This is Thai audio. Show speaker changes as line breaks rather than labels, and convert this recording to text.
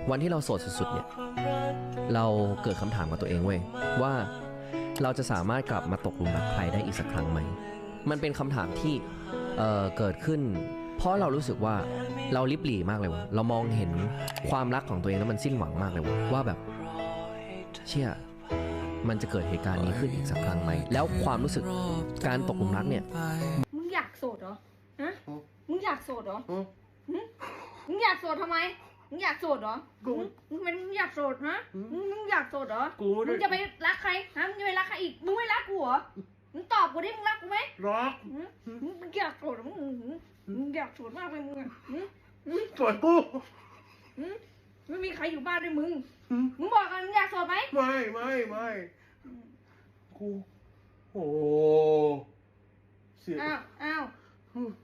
วันที่เราโสดสุดๆเนี่ยเราเกิดคำถามกับตัวเองเว้ยว่าเราจะสามารถกลับมาตกหลุมรักใครได้อีกสักครั้งไหมมันเป็นคำถามที่เกิดขึ้นเพราะเรารู้สึกว่าเราลิบหลี่มากเลยวะเรามองเห็นความรักของตัวเองแล้วมันสิ้นหวังมากเลยวะว่าแบบเชี่ยมันจะเกิดเหตุการณ์นี้ขึ้นอีกสักครั้งไหมแล้วความรู้สึกการตกหลุมรักเนี่ย
มึงอยากโสดเหรอฮะมึงอยากโสดเหรอมึงอยากโสดทำไมมึงอยากโสดเหรอมึงเป็นมึงอยากโสดฮะมึงอยากโสดเหรอมึงจะไปรักใครฮะมึงจะไปรักใครอีกมึงไม่รักกูเหรอมึงตอบกูดิมึงรักกูไหม
รัก
มึงอยากโสดมึงอยากโสดมากเลยมึงอ่ะ
สวยกู
ไม่มีใครอยู่บ้านด้วยมึงบอกกันมึงอยากโสดไหม
ไม่กูโอ้เสีย
อ้าว